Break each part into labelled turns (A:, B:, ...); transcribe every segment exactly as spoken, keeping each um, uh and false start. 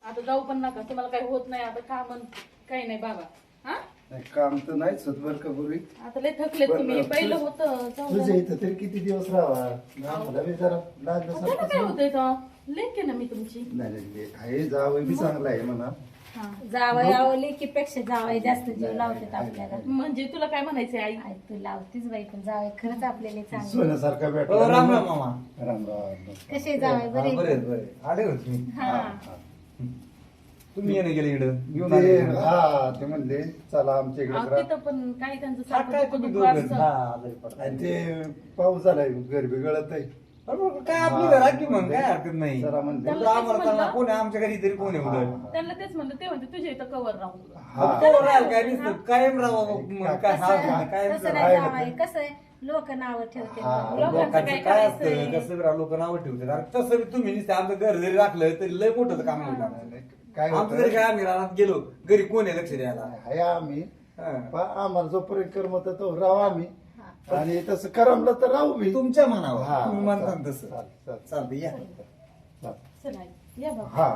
A: आता जाऊ पण नका, तुम्हाला काही होत नाही आता, काम काही नाही बाबा. हा
B: नाही, काम तर नाहीच होत बरं का पूर्वी.
A: आता लय थकले
B: पण
A: तुम्ही. पहिलं
B: तुझ-
A: होतं जाऊ
B: तुझ्या
A: द्या.
B: इथं तरी किती दिवस राहावा मला बी जरा
A: त्याला काय
B: लागलं
A: होतंय तर लेख आहे ना मी तुमची.
B: नाही नाही आहे जावं बी चांगला आहे म्हणा.
A: हा
C: जावई आवली की पेक्षा जावई जास्त जीव लावतात आपल्याला.
A: म्हणजे तुला काय म्हणायचंय आई?
C: आई तू लावतीच बाई, पण जावई खरंच आपल्याला चांगलं.
B: सोन्यासारखा
D: हो,
B: भेटला
D: राम राम मामा.
B: राम राम.
C: कसे जावई
D: हा,
C: बरे?
D: बरे बरे आले होते मी.
C: हा
D: तुम्ही येणे गेले इकडं घेऊन
B: ते
D: आले.
B: हा ते म्हणले चला आमच्या
A: अहो,
B: इकडे
A: तिथं पण काही त्यांचं
D: हा, काय
A: सारखं
D: तुम्ही
A: दुखत
D: दोघं?
A: असतं.
D: हा, आजारी पडला.
B: आणि ते पाऊस झालाय गरबी गळत आहे.
D: बरोबर, काय आपली घरा की मग काय हरकत नाही.
B: जरा म्हणते
A: त्याला
D: तुला
A: तेच
D: आम्हाला
A: म्हणलं.
D: चांगला कोण आहे आमच्या घरी तरी कोण आहे उलट.
A: त्यांना तेच म्हणलं, ते म्हणते तुझ्या इथं कवर राहू.
B: हा.
D: कोण राहील काय नुसतं कायम राहावं मग काय हा
C: तसं
D: काय
C: तसं नाही जावई, कसं आहे लोक नाव ठेवते
B: हा.
A: लोकांचं
D: लोकांचं
A: काय
D: काय असतं
A: करायचंय?
D: कसं लोक नावं ठेवतात आणि तसं बी तुम्ही नुसतं आमचं घर जरी राखलं तरी लय मोठं काम होईल आमचं.
B: काय
D: आमचं जरी
B: होतं
D: काय आम्ही रानात गेलो घरी कोण आहे लक्ष द्यायला.
B: आहे आम्ही
D: हा.
B: पण आम्हाला जोपर्यंत करमत तो राहू आम्ही आणि तसं करमलं तर राहू मी.
D: तुमच्या मनावर
B: हा,
D: तुम्ही म्हणता
B: चालेल,
D: तसं
B: चालेल, चालेल.
D: चालतं या.
B: चालेल.
A: चल आई, या बाबा.
B: हा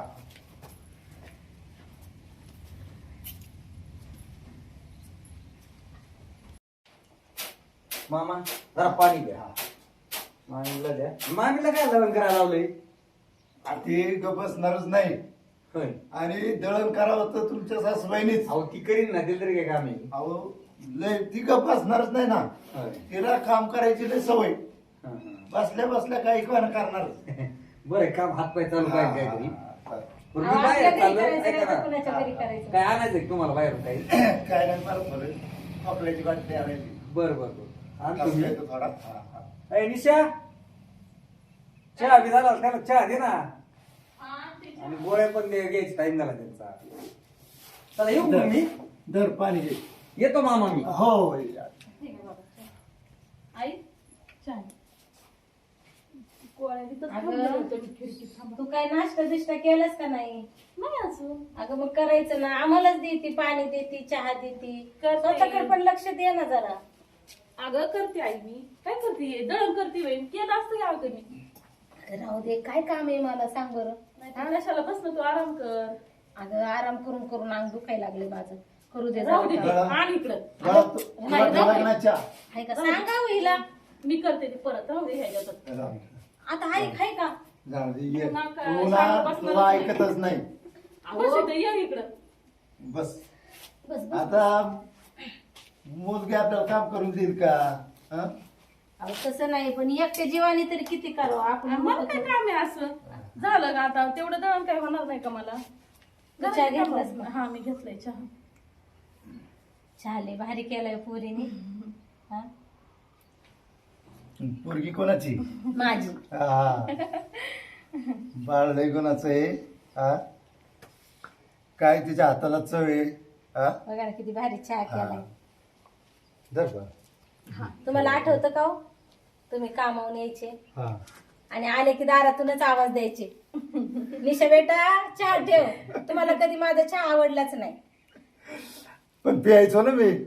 D: मामा जरा पाणी द्या. मामीला द्या. मामीला काय लग्न करायला लावलंय?
B: ते ग बसणारच नाही
D: होय.
B: आणि दळण करावं तर तुमच्या सासूबाईनीच.
D: अहो ती करीन ना तिला तरी काय काम आहे?
B: अहो लय ती ग बसणारच नाही ना.
D: होय.
B: तिला काम करायची लय सवय.
D: हा, हा.
B: बसल्या बसल्या काही कोण करणार.
D: बरं काम हात पाय चालू पाहिजे काहीतरी. बरं,
C: अहो,
D: मी
C: आपल्या
D: बाहेर
C: घरी
D: चाललोय.
C: करायचं
D: ऐका
C: नाही तर
D: ना.
C: कुणाच्या घरी करायचं.
D: काय आणायचंय का तुम्हाला बाहेर काही?
B: काय नाही मला थोडं कपड्याची बाटली आणायची.
D: बरं बरं बरं आणि तुम्ही
B: कपड्याचं थोडा हा, हा.
D: ए, निशा चहा बी झाला त्याला चहा दे ना आणि गोळ्या पण दे घ्यायची टाइम झाला त्यांचा. चला येऊ मग मी
B: दर पाणी घे.
D: येतो मामा मी.
B: हो
A: ठीक आहे बाबा, चल. आई चहा. गोळ्या तिथंच
C: अगं.
A: थांबले होते मी खिडकीत थांबा.
C: तू काय नाश्ता बिष्टा केलास का नाही?
A: नाही अजून.
C: अगं मग करायचं ना, आम्हालाच देते पाणी देते चहा देते,
A: करते.
C: स्वतःकडे पण लक्ष दे ना जरा.
A: अगं करते आई, मी काय करते दळण करते बाई, केलं असतं का अगं मी.
C: राहू दे, काय काम आहे मला सांग बरं.
A: नाही कशाला बस ना, तू आराम कर.
C: अगं आराम करून करून अंग दुखायला लागले माझं. करू दे
A: राहू दे
C: जरा
A: ते.
C: काम.
A: आण इकडं.
B: तुला तुला
A: नाही, राहू दे.
B: लग्नाच्या
C: हाय का सांगा हो हिला.
A: मी करते ते परत, राहू दे ह्याच्यात.
C: आता हाय हाय का?
B: जाऊ दे, ये.
A: तुला काय
B: तुला
A: शाळेत
B: तुला
A: बसणारच
B: ऐकतच नाही.
A: बस इथं, ये इकडं.
B: बस
C: बस बस.
B: आता मुलगी आपल्याला काम करून देईल का? हा?
C: अहो तसं नाही, पण एकट्या जीवाने तरी किती करावं आपण.
A: आणि मला काय काम आहे असं? झालं का आता? तेवढं दळण काय होणार नाही का मला?
C: तू चहा घेतलास ना?
A: हा मी घेतलाय चहा.
C: चहा लय भारी केलाय पोरीने. हा?
B: पोरगी कोणाची?
C: माझी.
B: हा. बाळ लय कोणाचं आहे? हा? काय तिच्या हाताला चव आहे? हा?
C: बघा ना किती भारी चहा केलाय.
B: धर बा.
C: तुम्हाला आठवतं का हो? तुम्ही कामावून यायचे
B: हा.
C: आणि आले की दारातूनच आवाज द्यायचे, निशा बेटा चहा ठेव. तुम्हाला कधी माझा चहा आवडलाच नाही.
B: पण प्यायचो ना मी.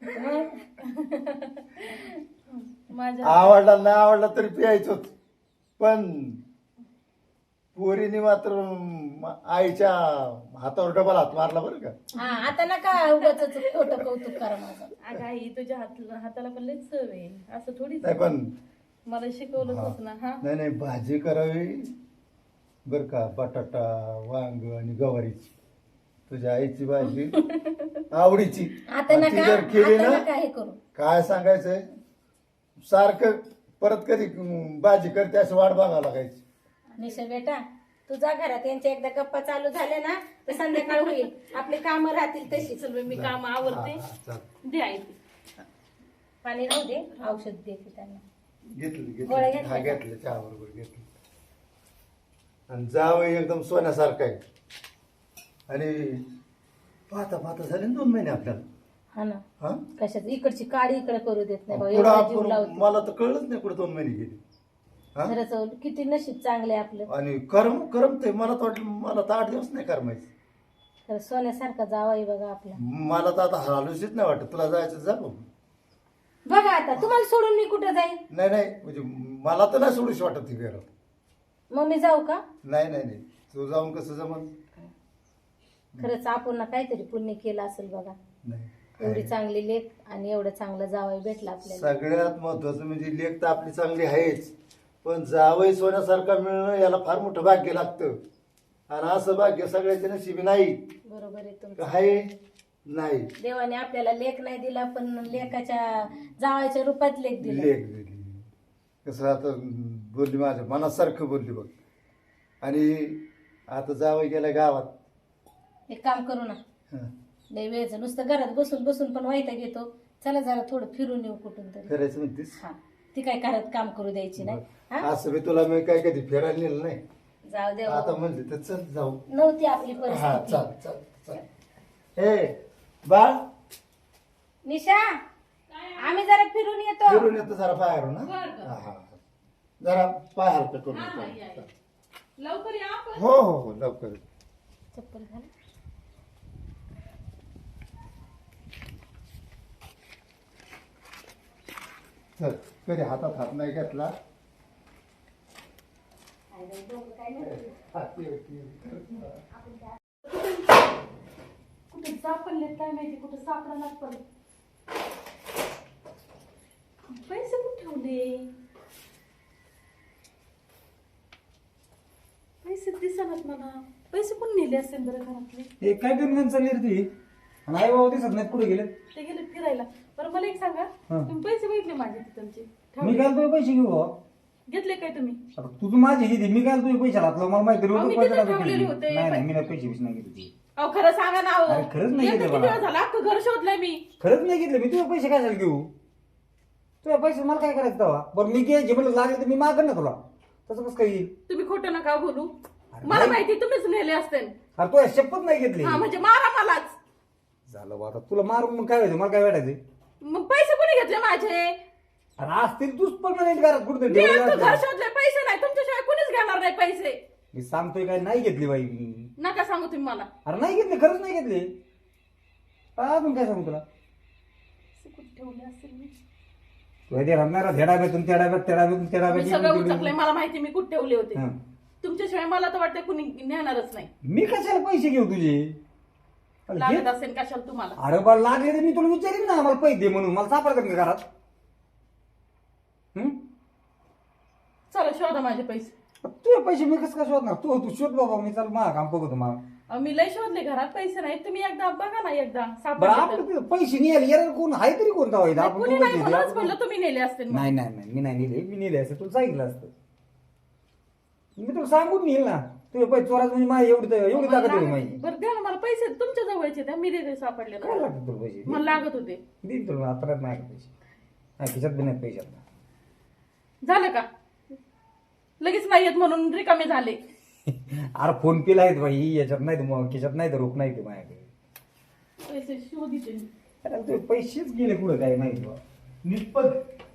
A: माझ्या
B: आवडला नाही आवडला तरी प्यायचोच. पण पोरीने मात्र म- आईच्या हातावर डबल हात मारला बरं का.
C: हा आता नका उगाच खोटं कौतुक करा माझं.
A: अगं आई, तुझ्या हात हाताला पण लय चव आहे, असं थोडीच
B: नाही पण
A: मला शिकवलंच होत ना. हा
B: नाही नाही भाजी करावी बर का. बटाटा वांग आणि गवारीची तुझ्या आईची भाजी आवडीची.
C: आता
B: आणि ती
C: नका
B: जर केली
C: आता
B: ना
C: नका हे करू.
B: काय सांगायचंय सारखं परत कधी अं, भाजी करते असं वाट बघावं लागायची.
C: निशा बेटा तुझ्या घरात यांच्या एकदा गप्पा चालू झाल्या ना तर संध्याकाळ होईल, आपले काम राहतील तशीच.
A: चल बाई, मी काम आवडते.
B: हा, हा, चालेल.
A: दे आई ते.
C: पाणी राहू दे, औषध देते त्यांना.
B: घेतलं
C: गोळ्या
B: घेतलं हा
C: घेतल्या
B: घेतलं चहा बरोबर घेतलं. आणि जावई एकदम सोन्यासारखं आहे. आणि पाहता पाहता झाले ना दोन महिने आपल्याला.
C: हा ना,
B: हा
C: कशात इकडची काडी इकडे करू देत नाही भाऊ,
B: कुठं
C: एवढा जीव
B: आपण
C: लावते.
B: मला तर कळलंच नाही कुठं दोन महिने गेले. हा?
C: खरंच हो, किती नशीब चांगले आपलं.
B: आणि करम करमते मला तर वाटलं मला तर आठ दिवस नाही करमायचं.
C: खरं सोन्यासारखा जावाई बघा आपला.
B: मला तर आता हालूशीच नाही वाटत. तुला जायचं जा भाऊ.
C: बघा आता तुम्हाला सोडून मी कुठं जाईल?
B: नाही नाही म्हणजे मला तर नाही सोडूशी वाटत ती घरात.
C: मग मी जाऊ का?
B: नाही नाही नाही तू जाऊन कसं जमल.
C: खरंच आपण ना काहीतरी पुण्य केलं असेल बघा.
B: नाही
C: एवढी चांगली लेख आणि एवढं चांगलं जावई भेटला आपल्याला.
B: सगळ्यात महत्वाचं म्हणजे लेख तर आपली चांगली आहेच, पण जावई सोन्यासारखा मिळणं याला फार मोठं भाग्य लागतं. आणि असं भाग्य सगळ्याच्या नशिबी नाही.
C: बरोबर आहे तुमचं.
B: आहे नाही,
C: देवाने आपल्याला लेख नाही दिला पण लेखाच्या जावायच्या रूपात लेख दिला.
B: लेख दिली. कसं आता बोलली माझ्या मनासारखं बोलली बघ. आणि आता जावई गेला गावात.
C: एक काम करू ना,
B: हं.
C: लय वेळचं नुसतं घरात बसून बसून पण वाईटा घेतो. चला जरा थोडं फिरून येऊ कुठून तरी.
B: फिरायचं म्हणतेस?
C: हा, ती काय घरात काम करू द्यायची नाही. हा?
B: असं मी तुला मी काय कधी फिरायला नेलं नाही.
C: जाऊ दे
B: आता
C: हो.
B: म्हणले तर चल जाऊ.
C: नव्हती आपली
B: हा
C: परिस्थिती.
B: चल चल चल. ए बाळ
C: निशा, आम्ही जरा फिरून येतो.
B: फिरून येतो जरा बाहेरून.
A: बरं,
B: हा
A: बरं.
B: हा, हा. जरा पाय हलकं करून
A: हा, हा,
B: येतो.
A: या, या. लवकर या आपण.
B: हो हो हो लवकर.
C: चप्पल घाल.
B: चल कधी हातात हात नाही घेतला.
C: काय बाई, डोकं काय नाही.
B: हात ये, ये.
A: कुठे सापडले काय माहिती, कुठे सापडायला पडले. पैसे कुठे ठेवले? पैसे दिसणार मला. पैसे पण नेले असेल बरं घरातले.
D: हे काय करून चालली रे ती? आणि आई बाबा दिसत नाही, कुठे गेले?
A: ते गेले फिरायला. बरं मला एक सांगा,
D: हा.
A: तुम्ही पैसे बघितले माझे तिथलचे?
D: मी
A: ठेवले?
D: काय तुझे पैसे घेऊ हो?
A: घेतले काय तुम्ही?
D: आता तू तू माझे किती, मी काय तुझे पैसे घातलं मला माहिती
A: अहो, मी
D: रोज
A: तिथं ठेवलेले होते.
D: नाही नाही मी नाही पैसे बिसे नाही घेतले.
A: अहो खरं सांगा ना. अहो.
D: अरे, खरंच नाही
A: एकदा
D: घेतले
A: किती
D: मला.
A: वेळ झाला, अख्खं घर शोधलंय मी.
D: खरंच नाही घेतले मी. तुझे पैसे काय झाले घेऊ? तुझे पैसे मला काय करायचं तेव्हा? बरं मी घ्यायचे म्हणलं लागले तर मी मागन ना तुला. तसं कसं काही येईल?
A: तुम्ही खोटं नका बोलू.
D: अरे
A: मला
D: नाही.
A: माहिती तुम्हीच नेले असतील.
D: अरे तू शपथ नाही घेतली.
A: हा म्हणजे मारा मलाच.
D: झालं बा, आता तुला मारून मग काय व्हायचं? मला काय वाटायचं?
A: मग पैसे कोणी घेतले माझे?
D: अरे असतील तूच पण नाही घरात कुठे
A: मी अख्खं घर शोधले, पैसे नाही. तुमच्याशिवाय कोणीच घेणार नाही पैसे.
D: मी सांगतोय काय नाही घेतली बाई मी.
A: नका सांगू तुम्ही मला.
D: अरे नाही घेतले, खरंच नाही घेतले. अजून काय सांगू तुला?
A: पैसे कुठे ठेवले असेल मी?
D: तू ते रमणारा त्या डाब्यातून त्या डाब्यात त्या डाब्यातून त्या
A: मी सगळं उचकलंय.
D: डाब्यात
A: मला माहिती मी कुठे ठेवले होते.
D: हं.
A: तुमच्याशिवाय मला तर वाटतं कुणी नेणारच नाही.
D: मी कशाला पैसे घेऊ तुझे? अरे
A: लागत
D: घे.
A: असेल कशाला तुम्हाला.
D: अरे बा लागले तर मी तुला विचारीन ना, मला पैसे दे म्हणून. मला सापडतात का घरात? हं?
A: चला शोधा माझे पैसे.
D: तुझे पैसे मी कसं काय शोधणार? तू तू शोध बाबा, मी चाल मला काम बघतो मला.
A: अहो, मी लय शोधले घरात, पैसे नाही. तुम्ही एकदा बघा ना, एकदा
D: बरं
A: सापडले तर.
D: आपलं ते पैसे नाही यार, कोण आहे तरी कोणता व्हायचा?
A: नाही,
D: आपण
A: कुणी
D: दोघंच
A: नाही
D: आहे.
A: म्हणूनच म्हणलं तुम्ही नेले असतील मग.
D: नाही नाही नाही मी नाही नेले. मी नेले असते तुला सांगितलं असतं. मी तुला सांगून नेईल ना. तुझे पैसे चोराच म्हणजे माझी एवढी एवढी ताकद आहे माझी.
A: बरं द्या ना मला पैसे. तुमच्या जवळचे द्या, मी देते सापडले
D: काय
A: तर.
D: लागतं तुला पैसे?
A: मला लागत होते.
D: देईन तुला आता नाही पैसे. नाही खिशात बी नाही पैसे आता.
A: झालं का? लगेच नाही येत म्हणून रिकामे झाले.
D: अरे फोन पेला आहेत बाई, याच्यात नाही तर मग खिशात नाही तर रोख नाही ते माझ्याकडे.
A: पैसे शोधिते मी.
D: अरे तुझे पैसेच गेले कुठं काय माहिती बा.
B: निष्पद.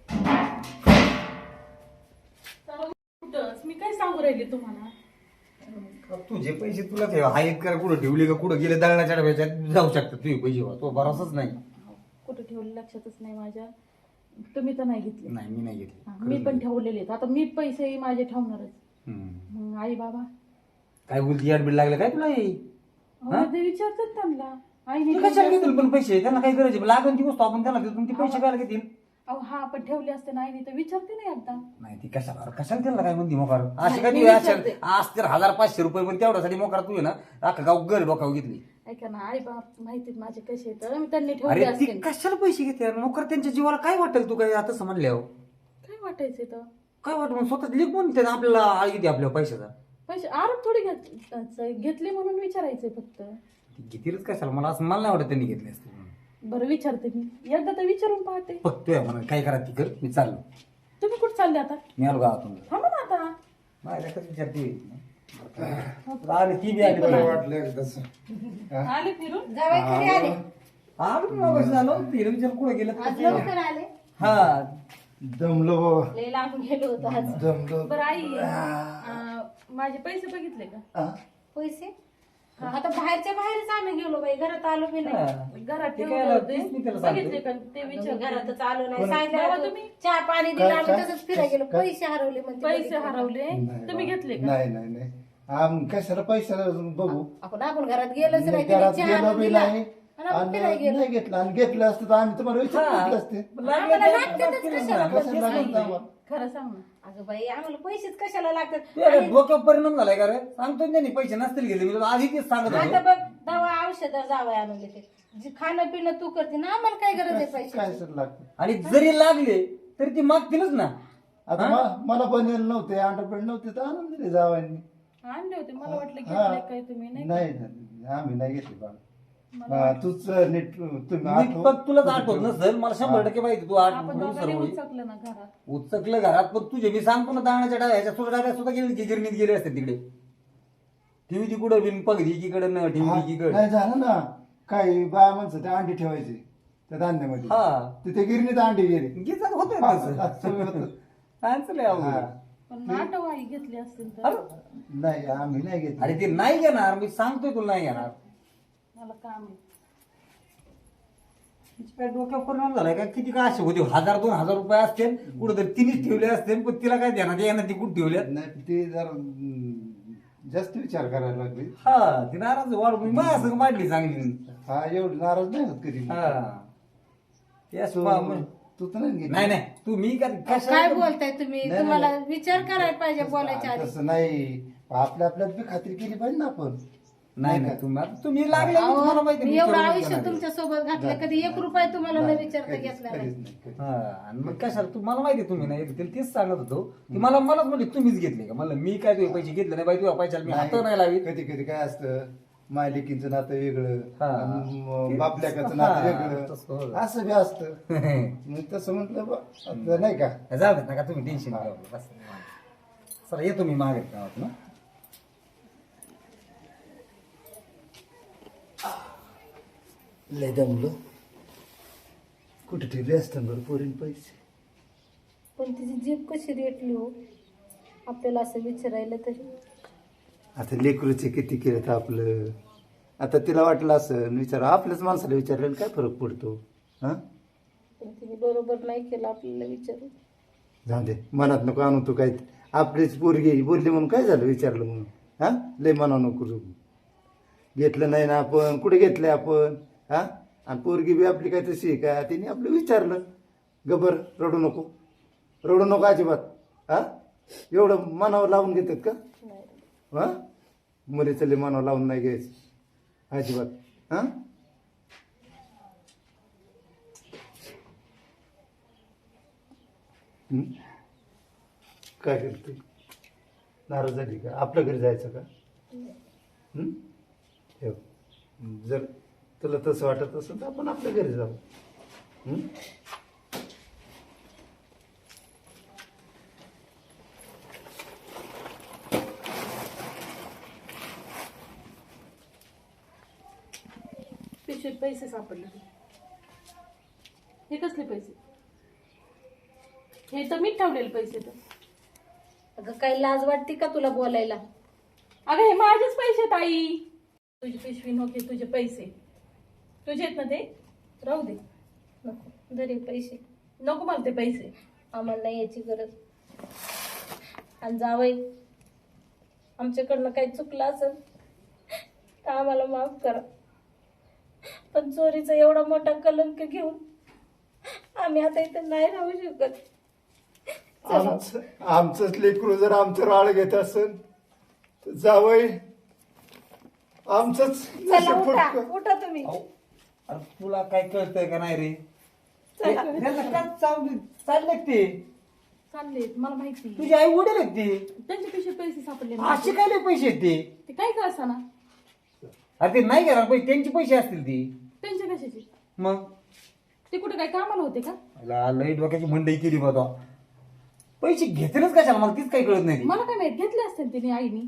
A: चला कुठंच. मी काय सांगू राहिले तुम्हाला?
D: तुझे पैसे तुला ठेव आहेत का कुठं ठेवले का कुठं गेले दळणाच्या डब्याच्यात जाऊ शकतात तुझे पैसे बा. तो भरोसाच नाही.
A: कुठं ठेवले लक्षातच नाही माझ्या. तुम्ही तर नाही घेतले.
D: नाही मी नाही घेतले.
A: हा, मी पण ठेवलेले आहेत. आता मी पैसे माझे ठेवणारच.
D: हम्म.
A: मग आई बाबा
D: काय बोलती याड बिल लागलं काय तुला हे?
A: अहो, ते विचारतात त्यांना. आईने
D: तू कशाला
A: ठेवले
D: घेतील पण पैसे? त्यांना काही गरज आहे? लागून ती वस्तू आपण त्यांना देतो, तुमचे पैसे काय घेतील?
A: अहो हा पण ठेवले असते ना आईने तर विचारते ना एकदा.
D: नाही ती कशाला अरे कशाला त्यांना काय म्हणते मोकार? अशी
A: नाही,
D: काय
A: मी
D: तू
A: विचारते.
D: असेल आज तर हजार पाचशे रुपये पण तेवढ्यासाठी मोकार तू आहे ना अख्खा गाव घर डोकावर घेतली.
A: ऐका ना, आई बाप माहितीत माझे कसे आहेत. मी त्यांनी ठेवले
D: अरे ती
A: असते.
D: कशाला पैसे घेते मोकार? त्यांच्या जीवाला काय वाटेल तू काय आता समजल्यावर?
A: काय वाटायचे तर
D: काय वाटत मग स्वतः लिख म्हणते ना आपल्याला आळी किती आपल्या पैशाचा?
A: पैसे आरोप थोडी घेत घेतले म्हणून विचारायचे फक्त.
D: ती घेतीलच कशाला? मला असं मला नाही वाटत त्यांनी घेतले असते म्हणून.
A: बरं विचारते मी एकदा तर विचारून पाहते.
D: बघतोय म्हणा काय करा ती कर. मी चाललो.
A: तुम्ही कुठं चालले आता?
D: मी आलो गावातून.
A: थांबा ना आता.
D: माझ्या कसं विचारते आली ती बी आली
B: मला
D: बघा.
B: वाटलं एकदाच.
A: आले फिरून.
C: जावई कधी आले?
D: आलो मी मगाशी झालो फिर विचार कुठं गेलं
C: आज लवकर आले.
D: हा
B: दमलो बाबा.
C: लय लांब गेलो होतो आज.
B: दमलो.
A: बरं आई अं, माझे पैसे बघितले का?
B: हा?
C: पैसे आता बाहेरच्या बाहेरच आम्ही गेलो बाई, घरात आलो बी नाही.
D: हा.
A: घरात
D: ते
A: ठेवले
D: काय
A: होते.
D: तेच मी त्याला सांगते.
A: बघितले का ते
C: मी
A: विचार.
C: घरातच आलो नाही.
B: कोण-
C: सांगितलं
A: बाबा
C: होतं,
A: तुम्ही?
C: चहा पाणी दिलं
B: काय-
C: आम्ही
B: काय-
C: तसंच फिरायला गेलो.
B: काय-
C: पैसे हरवले म्हणते.
A: पैसे
C: बघितलं.
A: हरवले
B: नाही
A: तुम्ही
B: बाबा.
A: घेतले का?
B: नाही नाही नाही आम कशाला पैशाला बघू
C: आपण आपण घरात गेलोच नाही तिने
B: घरात
C: चहा
B: गेलो
C: आणून
B: बी
C: दिला.
B: नाही
C: आणि आपण
B: आणि
C: फिरायला गेलो.
B: नाही घेतलं आणि घेतलं असतं तर आम्ही तुम्हाला विचार
D: हा.
B: घेतलं असते
D: लागलं
C: आम्हाला
D: तर
C: लागतातच
D: लागतीलच
C: कशाला
D: ना.
B: कशाला लागलं आम्हाला?
A: खरं सांग ना.
C: अगं बाई आम्हाला पैसेच कशाला लागतात
D: तुझ्या
C: आणि
D: डोक्यावर परिणाम झालाय का रे सांगतो ना त्यांनी पैसे नसतील गेले मी तुला आधी तेच सांगत
C: आता
D: होतो
C: बघ दवा औषध जावं आणून देते जे खाणं पिणं तू करते ना आम्हाला काय गरज आहे
B: काय
C: पैशाची
B: सर लागतं
D: आणि जरी लागले तरी ती मागतीलच ना.
B: आता म- मला बनेल नव्हते अंडरपेड नव्हते तर आणून दिले जावांनी
A: आणले होते मला वाटलं
B: हा.
A: घेतले काय तुम्ही नाही
B: नाही नाही, आम्ही नाही घेतले बाळा हा, तूच नीट तुम्ही
D: मी
B: आठव-
D: फक्त तुलाच आठवत नसेल मला शंभर टक्के माहिती तू आठ
A: आपण दोघांनी उचकलं ना घरात.
D: उचकलं घरात पण तुझे मी सांगतो ना दाण्याच्या डाव्या ह्याच्या सुद्धा डाव्या सुद्धा गेली की गिरणीत गेले असते तिकडे ठेवी तिकडे बिन पगडी एकीकडे न
B: हा,
D: ठेवी एकीकडे
B: नाही झालं ना काही बाया माणसं ते अंडी ठेवायचे त्या धान्यामध्ये
D: हा
B: तिथे गिरणीत अंडी गेले
D: गीतात होतंय
B: हा,
D: तसं.
B: असं होतं.
D: सांगचं लय अवघड
B: हा.
D: आहे.
A: पण नाटक आई घेतली असतील तर
D: अरे
B: नाही आम्ही नाही घेतले
D: अरे ते नाही घेणार मी सांगतोय तुला नाही घेणार
A: मला काम आहे.
D: तिच्या काय डोक्यावर परिणाम झालाय का किती काय असे होते हजार दोन हजार रुपये असतील कुठं तिनेच ठेवले असतील पण तिला काय देणार येणार ती कुठं ठेवल्या
B: नाही ते जरा हम्म, जास्त विचार करायला लागले
D: हा ती नाराज वाढ मी माझ्या संग मांडली चांगली
B: हा एवढं नाराज नाही होत कधी
D: हा ते असं
B: तू
D: पहा मग.
B: तू तर नाही घेतली.
D: नाही नाही तू मी का
C: काय
D: कशा
C: बोलताय तुम्ही
B: नाही,
C: तुम्हाला
B: नाही.
C: विचार करायला पाहिजे बोलायच्या आधी
B: तसं नाही आपल्या आपल्यात बी खात्री केली पाहिजे ना आपण
D: नाही नाही तुम्ही आता तुम्ही लागले
C: अहो,
D: तुम्हाला माहिती
C: मी
D: मी
C: एवढं
D: विचारून
C: आयुष्य
D: घेणार.
C: तुमच्या सोबत घातलं कधी एक रुपया तुम्हाला न विचारता
B: कधीच-
C: घेतला नाही
B: कधीच नाही, कधीच.
D: हा आणि मग कशाला तुम्हाला माहिती तुम्ही नाही घेतले तेच सांगत होतो की मला मलाच म्हणजे तुम्हीच घेतले का मला मी काय तुझे पैसे घेतले नाही बाई तुझ्या पैशाला मी हात नाही लावी
B: कधी कधी काय असतं मालिकीचं नातं वेगळं
D: हा.
B: आणि म- बापल्याकाचं
D: हा,
B: नातं
D: तसं
B: वेगळं
D: होतं.
B: असं बी असतं मग तसं म्हटलं बा आता नाही का
D: जाऊ देत नका तुम्ही टेन्शन घेऊ बस सर येतो मी मागे गावात ना
B: लय दमलो कुठे ठेवले असतं बरं पोरीन पैसे
C: पण तिची जीभ कशी रेटली हो आपल्याला असं विचारायला तरी
B: आता लेकरूचे किती केलं तर आपलं आता तिला वाटलं असं विचार आपल्याच माणसाला विचारलं काय फरक पडतो हा
C: पण तिने बरोबर नाही केलं आपल्याला विचारून
B: जाऊ दे मनात नको आणू तू काय आपलीच पोरगी बोलली म्हणून काय झालं विचारलं म्हणून हा लय मना नको करू. घेतलं नाही ना आपण कुठे घेतलंय आपण हा आणि पोरगी बी आपली काय तशी आहे का तिने आपलं विचारलं गबर रडू नको रडू नको अजिबात हा एवढं मनावर लावून घेतात का
C: नाही
B: हा मुलीचं लय मनावर लावून नाही घ्यायचं अजिबात हा हं? काय करते नाराज झाली का आपल्या घरी जायचं का हं? ठेव जर तुला तसं वाटत असेल तर आपण आपल्या घरी जाऊ हं?
A: पिशवीत पैसे सापडले हे कसले पैसे हे तर मी ठेवलेले पैसे तर
C: अगं काही लाज वाटते का तुला बोलायला
A: अगं हे माझेच पैसे ताई तुझी पिशवी नव्हते तुझे पैसे तुझे आहेत ना ते राहू दे
C: नको दरे पैसे
A: नको मला ते पैसे
C: आम्हाला नाही याची गरज आणि जावई आमच्याकडनं काही चुकलं असेल तर आम्हाला माफ करा पण चोरीचा एवढा मोठा कलंक घेऊन आम्ही आता इथं नाही राहू शकत चला.
B: आमचं आमचंच लेकरू जर आमचं राळ घेत असेल तर जावई आमचंच
C: चला
B: नशीब
C: उठा
B: फुटकं.
C: उठा तुम्ही
D: अहो, अरे तुला काय कळतंय का नाही रे
C: चला.
D: त्यांना काय चावली चालले ते
A: चालले मला माहिती
D: तुझे आई वडील आहेत ते
A: त्यांच्या पिशवीत पैसे सापडले
D: असे काय लय पैसे आहेत ते
A: ते काय का असा ना
D: अरे ते नाही घेणार पैसे त्यांचे पैसे असतील ती
A: त्यांच्या कशाचे
D: मग
A: ते कुठे काय कामाला होते का
D: मला लई डोक्याची मंडई केली बघा पैसे घेतलेच कशाला मला तीच काही कळत नाही ती.
A: मला काय माहित घेतले असतील तिने आईनी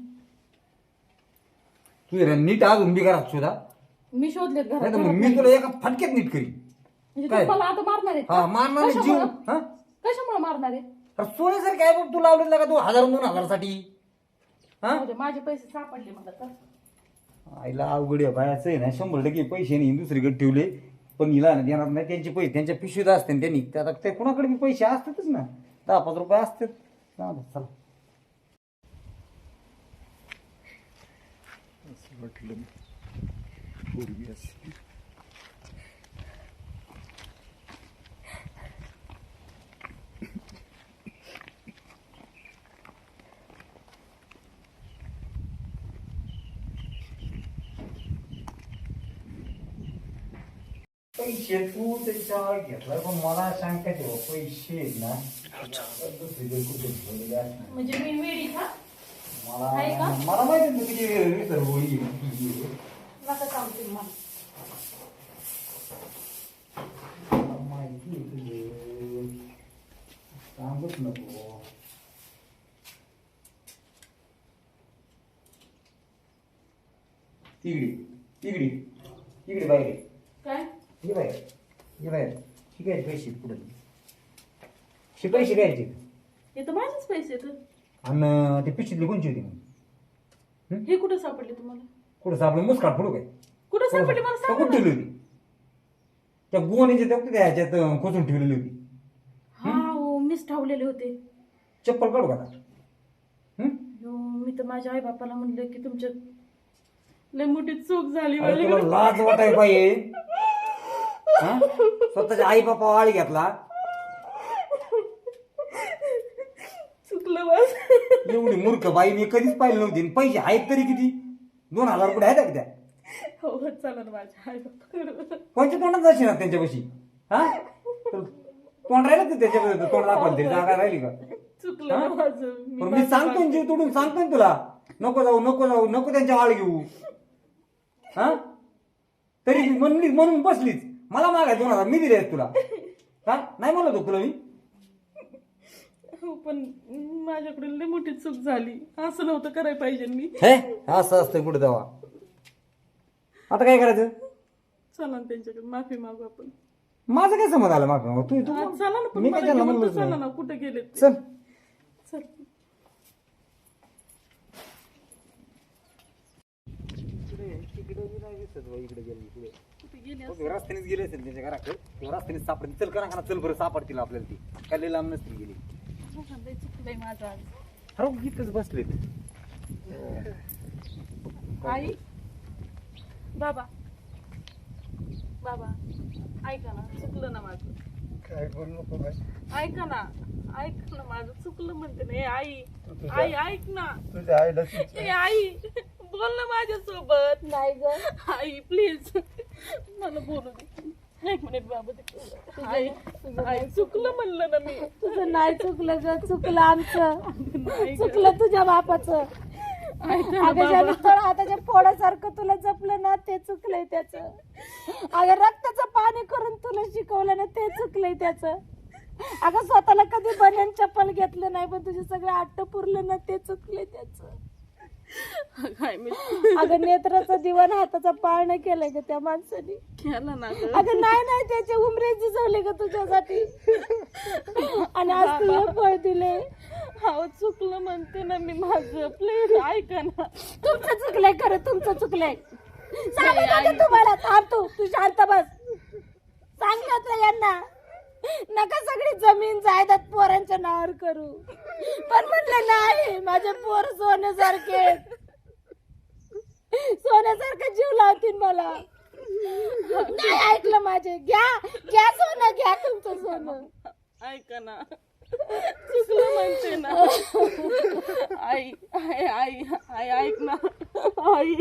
D: तू जरा नीट आज उंबी करा सुद्धा
A: मी शोधलेत घरात
D: नाही तर मग
A: घरात
D: मी
A: नाही.
D: तुला एका फटक्यात नीट करी
A: म्हणजे
D: काय?
A: तू मला आता मारणार आहे
D: हा मारणार नाही जीव हा
A: कशामुळे मारणार आहे
D: अरे सोन्यासारखे आहे बघ तू लावलेला का तू हजार दोन हजारासाठी हा
A: जाऊ दे, माझे पैसे सापडले मला तर
D: आईला अवघड आहे बायाचं आहे ना शंभर टक्के पैसे नाही दुसरीकडे ठेवले पण हिला ना देणार नाही त्यांचे पैसे त्यांच्या पिशवीत असते त्यांनी ते आता ते कुणाकडे बी पैसे असतातच ना दहा पाच रुपये असतात जाऊ दे, चला वाटलं पूर्वी असेल. पैसे तू त्याच्यावर घेतला पण मला सांगता तेव्हा पैसे आहेत ना दुसरीकडे कुठे ठेवलेले असणार.
A: म्हणजे मी वेडी का
C: आहे का?
D: मला मला माहिती ना किती विसर होईल.
A: नका सांगते मला.
D: माहिती आहे तुझे सांगूच नको. तिगडी तिगडी तिगडी बाहेर
A: काय
D: ये बाहेर ये बाहेर शिकायचे पैसे पुढे शिकाय शिकायचे
A: हे तर माझेच पैसे तर.
D: आणि ते पिशीतली कोणची होती मग
A: हे कुठं सापडले तुम्हाला?
D: कुठं सापडलं मुस्काट पुढं काय
A: कुठं सापडले मला
D: त्या
A: सांगा
D: कुठं
A: ना.
D: ठेवली होती त्या गोणीच्या त्या कुठे ह्याच्यात खोचून ठेवलेली होती.
A: हा हो मीच ठावलेले होते.
D: चप्पल काढू का आता? हं?
A: हो, मी तर माझ्या आई बापाला म्हणलं की तुमच्या लय मोठी चूक झाली
D: अरे तुला
A: माझ्याकडे.
D: लाज वाटाय पाहिजे. हा? स्वतःच्या आई बापा आळ घेतला
A: चुकलं बस.
D: एवढी मूर्ख बाई मी कधीच पाहिली नव्हती. आणि पैसे आहेत तरी किती दोन हजार रुपये आहेत का त्या
A: हो हो, चला ना माझ्या आई बापा.
D: कोणच्या तोंडात जाशील ना त्यांच्यापाशी? हा तर तोंड राहिलं तर त्याच्यापाशी तोंड दाखवायला तरी जागा राहिली का?
A: चुकलं ना माझं.
D: पण मी सांगतो ना, जीव तोडून सांगतो ना तुला नको जाऊ नको जाऊ नको त्यांच्या आळ घेऊ. हा तरी म्हणली म्हणून बसलीच मला मागाय दोन हजार मी दिले आहेत तुला. हा नाही म्हणलं होतं तुला मी.
A: हो पण माझ्याकडून लय मोठी चूक झाली. असं नव्हतं करायला पाहिजे मी.
D: हे असं असतं कुठे तेव्हा. आता काय करायचं?
A: चला ना त्यांच्याकडे माफी मागू आपण.
D: माझं काय समज आलं माग तू तू
A: हा, चला ना पण
D: मी
A: मला
D: काय त्यांना
A: घेऊन तर
D: म्हणलोच
A: चला
D: नाही.
A: ना कुठे गेले ते.
D: चल
A: चल. कुठे गेले असं?
D: रस्त्यानेच गेले असेल त्यांच्या घराकडे किंवा रस्त्याने सापडतील. चल करा चल बरं सापडतील आपल्याला ती काय लय लांब नसतील गेली.
A: लय चुकलंय माझं आज.
D: अरे इथंच बसलेत.
A: आई बाबा बाबा ऐका ना चुकलं ना माझं.
B: काय बोलू नको बाई.
A: ऐका ना ऐक ना माझं चुकलं म्हणते ना. ए आई आई ऐक ना.
B: तुझ्या आईला
A: ए आई बोल ना माझ्यासोबत.
C: नाही ग
A: आई प्लीज मला बोलू दे. एक मिनिट बाबा ते. आई आई चुकलं म्हणलं ना मी.
C: तुझं नाही चुकलं ग चुकलं आमचं
A: नाही ग.
C: चुकलं तुझ्या बापाचं.
A: ऐका ना
C: अगं ज्या
A: बाबा.
C: तळ हाताच्या फोडासारखं तुला जपलं ना ते चुकलंय त्याच. अगं रक्ताचं पाणी करून तुला शिकवलं ना ते चुकलंय त्याच. अगं स्वतःला कधी बन्यान चप्पल घेतलं नाही पण तुझे सगळे आट्ट पुरलं ना ते चुकलंय त्याच.
A: काय मी
C: अगं नेत्राचं दिवाण हाताचा पाळणं केलंय ग त्या माणसाने.
A: केलं ना ग.
C: अगं नाही नाही त्याचे उमरे झिजवले ग तुझ्यासाठी आणि आज तुला फळ दिले.
A: हो चुकलं म्हणते ना मी माझं. प्लीज ऐका ना.
C: तुमचं चुकलंय खरं तुमचं चुकलंय. सांगत होते तुम्हाला थांब तू तू शांत बस. सांगितलं यांना नका सगळी जमीन जायदाद पोरांच्या नावावर करू पण म्हटलं नाही माझे पोर सोन्यासारखे सोन्यासारखं जीव लावतील मला. नाही ऐकलं माझे. घ्या घ्या सोनं घ्या तुमचं सोनं.
A: ऐका ना चुकलं म्हणते ना. आई आई आई आई ऐक ना. आई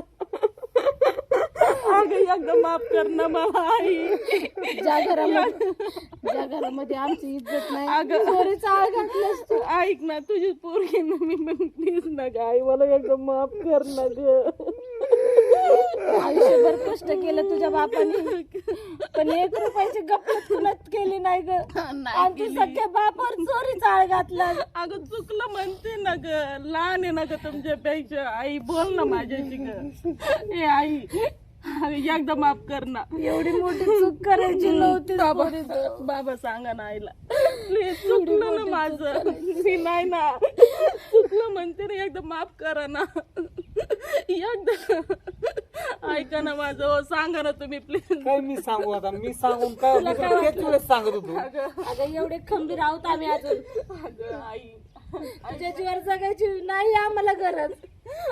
A: अगं एकदा माफ कर ना मला आई.
C: ज्या घरामध्ये ज्या घरामध्ये आमची इज्जत नाही
A: अगं
C: चोरीचा आळ घातलास तू.
A: ऐक ना तुझी पोरगी ना मी पण प्लीज ना ग आई मला एकदा माफ कर ना ग.
C: आयुष्यभर कष्ट केलं तुझ्या बापाने पण एक रुपयाची गप्पत कुणात केली नाही ग. आणि तू सख्या बापावर चोरीचा आळ घातला.
A: अगं चुकलं म्हणते ना ग. लहान आहे ना ग तुमच्यापेक्षा. आई बोल ना माझ्याशी ग. ए आई अगं एकदा माफ कर ना.
C: एवढी मोठी चूक करायची नव्हती
A: बाबा
C: पोरीचं.
A: बाबा सांगा ना आईला प्लीज. चुकलं ना माझं. मी नाही ना चुकलं म्हणते ना एकदा माफ करा ना. एकदा ऐका ना माझं. हो सांगा ना तुम्ही प्लीज.
D: काय मी सांगू आता मी सांगून काय मी तुला तेच वेळेस सांगत होतो.
C: अगं एवढे खंबीर आहोत आम्ही अजून.
A: अगं आई
C: तुझ्या जीवावर जगायची नाही आम्हाला गरज.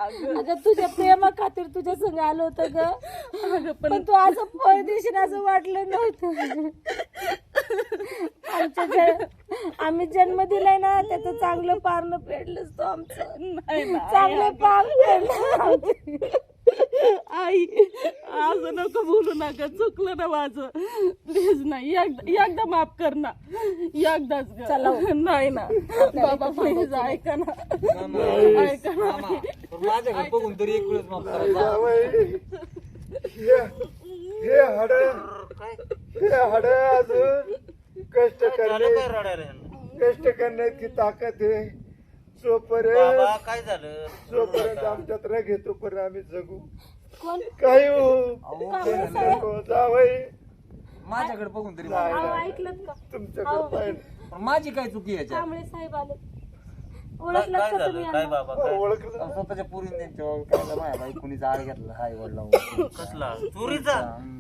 A: अगं
C: अगं तुझ्या प्रेमा खातीर तुझ्या संग आलो होतं ग
A: अगं पण
C: पण तू असं फळ देशील असं वाटलं नव्हतं. आमच्या जन- आम्ही जन्म दिलाय ना त्याचं चांगलं पारणं फेडलंच तो आमचं.
A: नाही ना
C: चांगलं पार फेडलं.
A: आई असं नको बोलू नका, चुकलं ना माझं. प्लीज नाही, एकदा एकदा माफ कर ना, एकदाच ग.
C: चला हो.
A: नाही ना बाबा प्लीज ऐका ना, ऐका ना.
D: मामा, पण माझ्याकडे बघून तरी एक वेळेस माफ करा.
B: जावई, हे हे हाड हे हाड अजून कष्ट करणे कष्ट करण्याची ताकद आहे. जोपर्यंत
E: बाबा काय झालं
B: जोपर्यंत आमच्यात रग येतो पर्यंत आम्ही जगू.
C: कोण
B: काही हो जावई,
D: माझ्याकडे बघून तरी
B: नाही,
D: माफ
C: अहो,
B: नाही.
C: ऐकलत का
B: तुमच्याकडे पाहिजे
D: करा. पण माझी काय चुकी याच्यात?
C: कांबळे साहेब आले.
E: काय
C: ओळखलं
E: काय
C: का
E: झालं
C: तुम्ही
E: काय
C: यांना?
E: बाबा काय
B: ओळखलं
D: स्वतःच्या पुरीने त्यांच्या काय माझ्या बाई कुणी आळ घेतला हाय वडला
E: कसला चोरीचा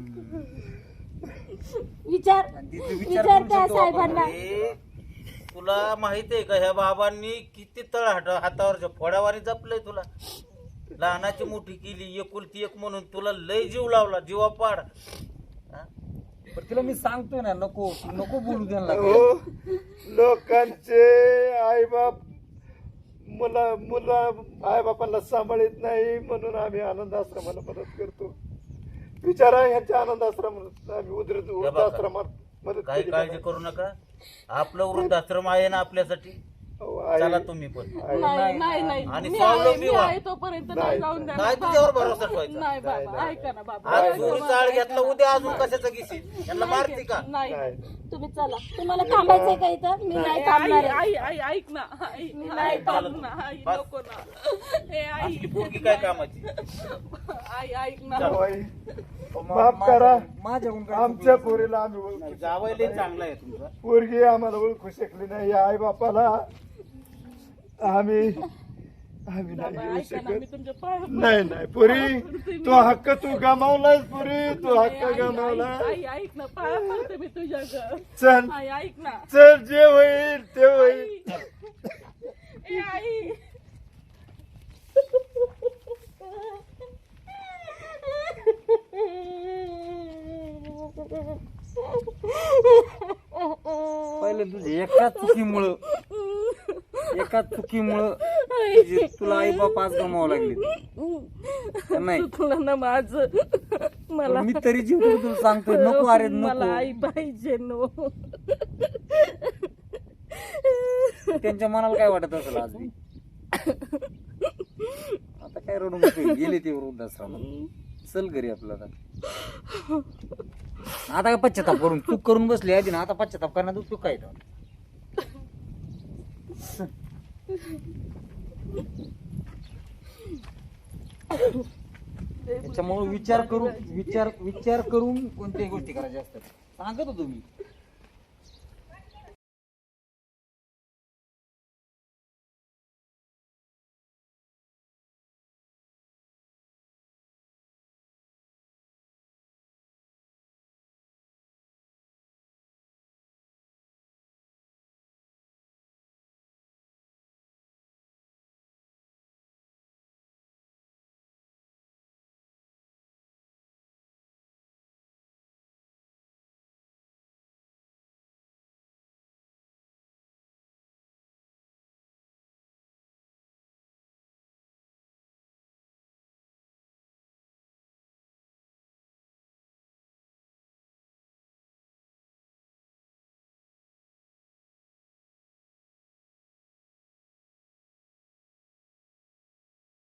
C: विचार विचार त्या साहेबांना.
E: अरे, तुला माहित आहे का ह्या बाबांनी किती तळ हात हातावरच्या फोड्यावारी जपलंय तुला. लहानाची मोठी केली एकुलती एक म्हणून तुला लय जीव लावला जीवा पाड. हा?
D: पण तिला मी सांगतोय ना नको नको बोलू त्यांना.
B: हो, लोकांचे आईबाप मुला मुला आईबापांना सांभाळत नाही म्हणून आम्ही आनंद आश्रमाला मदत करतो. विचारा ह्यांच्या आनंद आश्रमात आम्ही उद्र वृद्धाश्रमात मदत
E: काही
B: केली
E: काळजी करू नका, आपलं वृद्धाश्रम आहे ना आपल्यासाठी.
B: अहो, आई-
E: चला तुम्ही पण.
B: आई-
A: नाही नाही नाही
E: आणि
A: मी
E: स्वावलंबी
A: आहे मी
E: व्हा.
A: आहे तोपर्यंत नाही
B: नाही,
A: जाऊन द्या
E: नाही
A: ना,
E: तुझ्यावर
A: बाबा.
E: भरोसा ठेवायचा.
A: नाही
B: नाही,
A: बाबा
B: नाही.
A: ऐका ना बाबा.
E: आज
A: ऐका
E: चोरी
A: ना,
E: चाळ
A: ऐका
E: घेतला
A: ना.
E: उद्या अजून कशाचं घेशील यांना मारते का.
A: नाही
B: नाही.
C: तुम्ही चला. तुम्हाला थांबायचंय का इथं? मी नाही थांबणार आहे.
A: आई आई ऐक ना आई नाही थांब ना आई
E: बस.
A: नको ना ए आई
E: आपली पोरगी काय कामाची.
A: आई ऐक ना
B: अहो, आई, माफ करा.
D: माझ्याकडून काय
B: आमच्या पोरीला आम्ही ओळखू
E: जावयाला चांगला आहे तुमचा.
B: पोरगी आम्हाला ओळखू शकली नाही. आई बापाला आम्ही आम्ही नाही
A: बाबा
B: घेऊ
A: ऐका ना मी
B: शकत.
A: तुमच्या पाया
B: नाही नाही पुरी तो हक्क तू गमावलास पुरी तू हक्क
A: आई,
B: गमावला.
A: आई आई ऐक ना पाया पडते मी तुझ्या ग.
B: चल
A: आई ऐक ना
B: चल जे होईल ते होईल.
A: ए आई
D: पहिले तुझे एका चुकीमुळं एका चुकीमुळं तुझी- तुला आई बाप आज गमावं लागली. नाही
A: चुकलं ना माझं मला
D: मी तरी जीव देऊन तुला सांगतोय नको अरे
A: मला
D: नको.
A: आई पाहिजे नो
D: त्यांच्या मनाला काय वाटत असेल आज बी? आता काय रडू नको, गेले ते वृद्धाश्रमात. चल घरी आपलं आता. आता काय पश्चाताप करून चूक करून बसली आधी ना, आता पश्चाताप करण्यात उपयोग काय तो? त्याच्यामुळे विचार करून विचार विचार करून कोणत्याही गोष्टी करायच्या असतात. सांगत होतो मी.